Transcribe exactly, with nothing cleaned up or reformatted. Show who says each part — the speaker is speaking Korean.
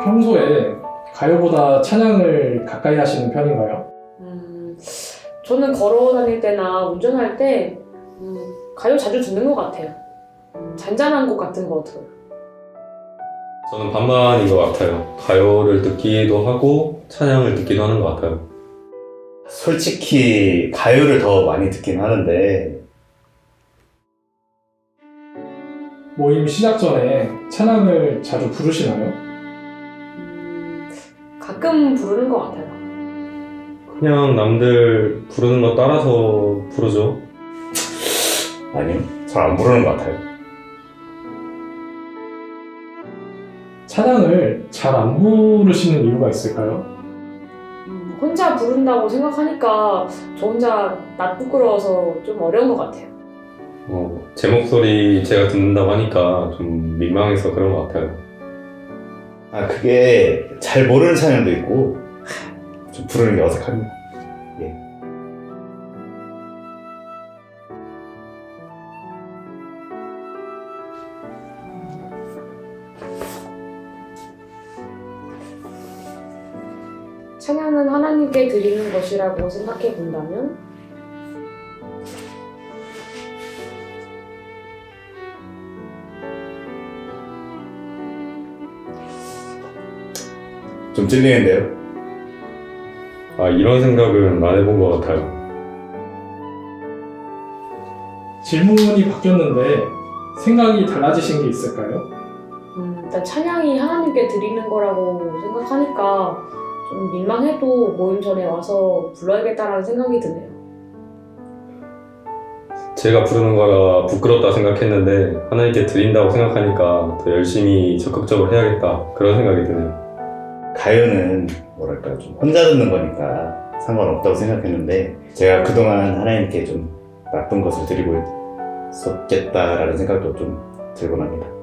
Speaker 1: 평소에 가요보다 찬양을 가까이 하시는 편인가요?
Speaker 2: 음, 저는 걸어 다닐 때나 운전할 때 음, 가요 자주 듣는 것 같아요. 음, 잔잔한 곡 같은 거 들어요.
Speaker 3: 저는 반반인 것 같아요. 가요를 듣기도 하고 찬양을 듣기도 하는 것 같아요.
Speaker 4: 솔직히 가요를 더 많이 듣긴 하는데
Speaker 1: 모임 시작 전에 찬양을 자주 부르시나요?
Speaker 2: 음, 가끔 부르는 것 같아요.
Speaker 3: 그냥 남들 부르는 거 따라서 부르죠.
Speaker 4: 아니요, 잘 안 부르는 것 같아요.
Speaker 1: 찬양을 잘 안 부르시는 이유가 있을까요?
Speaker 2: 음, 혼자 부른다고 생각하니까 저 혼자 낯 부끄러워서 좀 어려운 것 같아요.
Speaker 3: 어, 제 목소리 제가 듣는다고 하니까 좀 민망해서 그런 것 같아요.
Speaker 4: 아, 그게 잘 모르는 찬양도 있고 좀 부르는 게 어색합니다. 예.
Speaker 2: 찬양은 하나님께 드리는 것이라고 생각해 본다면
Speaker 4: 좀 찔리는데요.
Speaker 3: 아, 이런 생각은 안 해본 것 같아요.
Speaker 1: 질문이 바뀌었는데 생각이 달라지신 게 있을까요?
Speaker 2: 음, 일단 찬양이 하나님께 드리는 거라고 생각하니까 좀 민망해도 모임 전에 와서 불러야겠다라는 생각이 드네요.
Speaker 3: 제가 부르는 거라 부끄럽다 생각했는데 하나님께 드린다고 생각하니까 더 열심히 적극적으로 해야겠다 그런 생각이 드네요.
Speaker 4: 가요는 뭐랄까 좀 혼자 듣는 거니까 상관없다고 생각했는데 제가 그동안 하나님께 좀 나쁜 것을 드리고 있었겠다라는 생각도 좀 들곤 합니다.